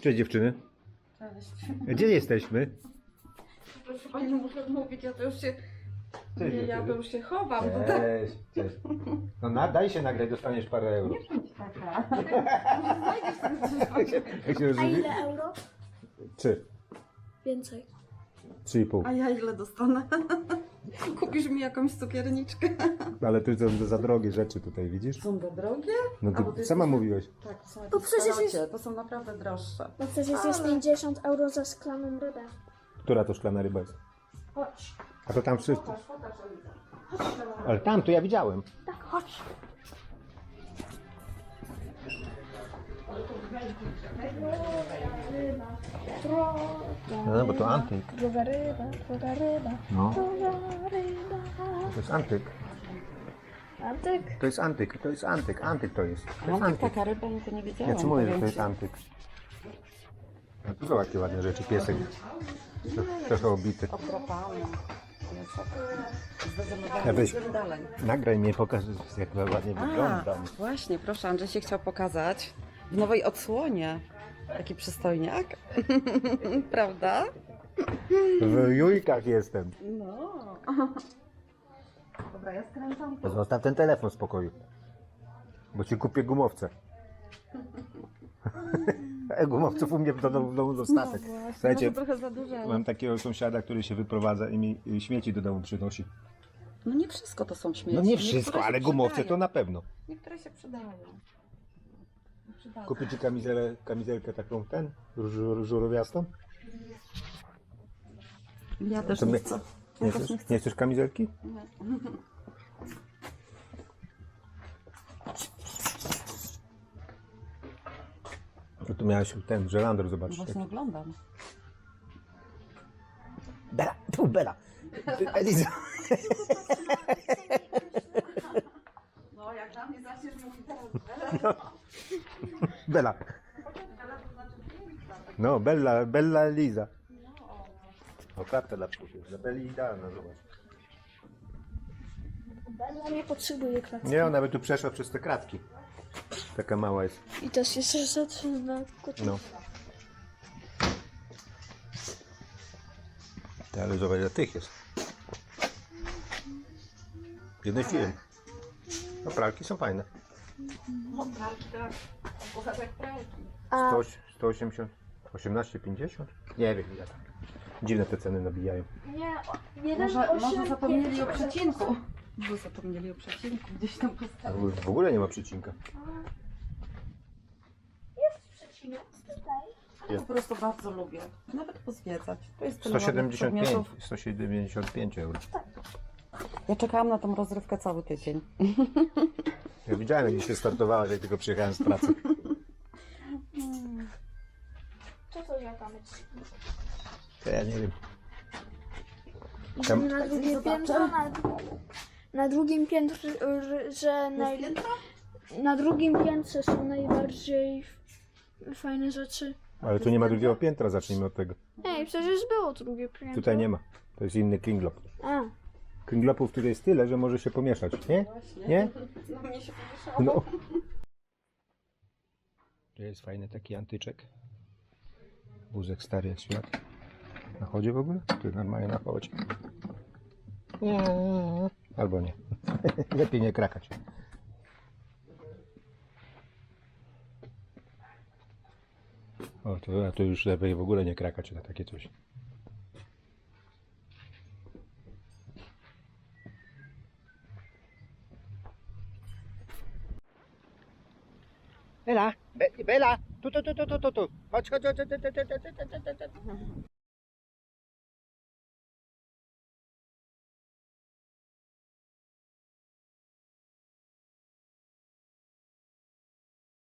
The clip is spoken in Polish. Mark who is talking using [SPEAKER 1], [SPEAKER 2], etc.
[SPEAKER 1] Cześć dziewczyny.
[SPEAKER 2] Cześć.
[SPEAKER 1] Gdzie jesteśmy?
[SPEAKER 2] Proszę Pani, muszę mówić, ja to już się...
[SPEAKER 1] Cześć,
[SPEAKER 2] Nie, ja to już się chowam tutaj.
[SPEAKER 1] Cześć, cześć. No daj się nagrać, dostaniesz parę euro.
[SPEAKER 2] Nie bądź taka.
[SPEAKER 1] Jak się
[SPEAKER 3] A
[SPEAKER 1] rozumie?
[SPEAKER 3] ile euro?
[SPEAKER 1] 3.
[SPEAKER 3] Więcej.
[SPEAKER 1] 3,5.
[SPEAKER 2] A ja ile dostanę? Kupisz mi jakąś cukierniczkę?
[SPEAKER 1] Ale ty za drogie rzeczy tutaj widzisz?
[SPEAKER 2] Są za drogie?
[SPEAKER 1] No
[SPEAKER 2] A, bo
[SPEAKER 1] ty
[SPEAKER 2] to
[SPEAKER 1] sama
[SPEAKER 2] jest-
[SPEAKER 1] mówiłeś.
[SPEAKER 2] Tak, to są
[SPEAKER 3] To
[SPEAKER 2] jakieś
[SPEAKER 3] przecież jest-
[SPEAKER 2] starocie, to są naprawdę droższe.
[SPEAKER 3] Bo przecież jest 50 euro za szklaną rybę.
[SPEAKER 1] Która to szklana ryba jest?
[SPEAKER 3] Chodź.
[SPEAKER 1] A to tam wszystko.
[SPEAKER 2] Pokaż, Eliza.
[SPEAKER 1] Ale tam to ja widziałem.
[SPEAKER 3] Tak, chodź.
[SPEAKER 1] No bo to antyk.
[SPEAKER 3] Droga ryba, droga ryba,
[SPEAKER 1] No.
[SPEAKER 3] droga ryba.
[SPEAKER 1] To jest antyk.
[SPEAKER 3] Antyk.
[SPEAKER 1] To jest antyk, to jest antyk. Antyk to jest. To jest
[SPEAKER 2] Mam
[SPEAKER 1] antyk.
[SPEAKER 2] taka ryba, no to nie wiedziałam.
[SPEAKER 1] Ja ci mówię, że
[SPEAKER 2] powiem
[SPEAKER 1] to jest
[SPEAKER 2] ci.
[SPEAKER 1] antyk. No tu zobacz jakie ładne rzeczy. Piesek. Trochę obity.
[SPEAKER 2] Okropane.
[SPEAKER 1] Ja weź-
[SPEAKER 2] Zdecydowanie dalej.
[SPEAKER 1] Nagraj mnie, pokaż jak ładnie
[SPEAKER 2] A,
[SPEAKER 1] wyglądam.
[SPEAKER 2] właśnie, proszę, Andrzej się chciał pokazać w nowej odsłonie. Taki przystojniak. Prawda?
[SPEAKER 1] W jujkach jestem.
[SPEAKER 2] No. Dobra, ja skręcam tu.
[SPEAKER 1] Zostaw ten telefon w spokoju. Bo ci kupię gumowce. Gumowców u mnie w domu dostatek. Słuchajcie,
[SPEAKER 2] Może trochę za dużo. ale-
[SPEAKER 1] mam takiego sąsiada, który się wyprowadza i mi śmieci do domu przynosi.
[SPEAKER 2] No nie wszystko to są śmieci.
[SPEAKER 1] No nie
[SPEAKER 2] Niektóre
[SPEAKER 1] wszystko,
[SPEAKER 2] się
[SPEAKER 1] ale gumowce
[SPEAKER 2] przydają.
[SPEAKER 1] to na pewno.
[SPEAKER 2] Niektóre się przydają. Przydadzą.
[SPEAKER 1] Kupię ci kamizelkę taką, żurowiastą?
[SPEAKER 2] Ja też
[SPEAKER 1] To
[SPEAKER 2] nie
[SPEAKER 1] my-
[SPEAKER 2] chcę.
[SPEAKER 1] Nie
[SPEAKER 2] Ja też
[SPEAKER 1] chcesz,
[SPEAKER 2] nie chcę.
[SPEAKER 1] nie chcesz kamizelki?
[SPEAKER 2] Nie.
[SPEAKER 1] No tu miałeś ten żelander
[SPEAKER 2] No
[SPEAKER 1] zobaczyć.
[SPEAKER 2] właśnie oglądam.
[SPEAKER 1] Bela, tu Bela. Eliza.
[SPEAKER 2] No jak dla mnie zaczniesz mówić teraz.
[SPEAKER 1] Bela. No, Bella Eliza. No, karta dla psów jest. Dla Belli idealna, zobacz.
[SPEAKER 3] Bella nie potrzebuje klatki.
[SPEAKER 1] Nie, ona by tu przeszła przez te kratki. Taka mała jest.
[SPEAKER 3] I też jeszcze rzeczy na kotów.
[SPEAKER 1] No. Ty, ale zobacz, ile tych jest. Jeden film. No, pralki są fajne.
[SPEAKER 2] No pralki, tak. Puchatek pralki.
[SPEAKER 3] A
[SPEAKER 1] 180, 18,50? Nie wiem, ile tam. Dziwne te ceny nabijają.
[SPEAKER 3] nie, jeden
[SPEAKER 2] Może zapomnieli o przecinku. Może zapomnieli o przecinku. Gdzieś tam
[SPEAKER 1] A
[SPEAKER 2] postawili.
[SPEAKER 1] w ogóle nie ma przecinka.
[SPEAKER 3] Jest przecinek tutaj.
[SPEAKER 2] Ja po prostu bardzo lubię. Nawet pozwiedzać. To jest tyle ładnych
[SPEAKER 1] 175,
[SPEAKER 2] przedmiotów.
[SPEAKER 1] 175 euro.
[SPEAKER 2] Ja czekałam na tą rozrywkę cały tydzień.
[SPEAKER 1] Ja widziałem, jak dzisiaj startowałeś, jak tylko przyjechałem z pracy.
[SPEAKER 3] Co to za kamycz?
[SPEAKER 1] To ja nie wiem.
[SPEAKER 3] Idziemy na drugie
[SPEAKER 2] Zobaczę.
[SPEAKER 3] piętro, na drugim piętrze, że na drugim piętrze są najbardziej fajne rzeczy.
[SPEAKER 1] Ale tu nie ma drugiego piętra, zacznijmy od tego.
[SPEAKER 3] Ej, przecież było drugie piętro.
[SPEAKER 1] Tutaj nie ma. To jest inny kringlop.
[SPEAKER 3] A,
[SPEAKER 1] Kringlopów tutaj jest tyle, że może się pomieszać, nie? Nie?
[SPEAKER 2] No mnie się pomieszało.
[SPEAKER 1] No. To jest fajny taki antyczek. Wózek stary jak świat. Na chodzie w ogóle? Ty normalnie na chodzie. Nie. Albo nie. Lepiej nie krakać. O, to już lepiej w ogóle nie krakać na takie coś. Bela, Bela, tu. Chodź.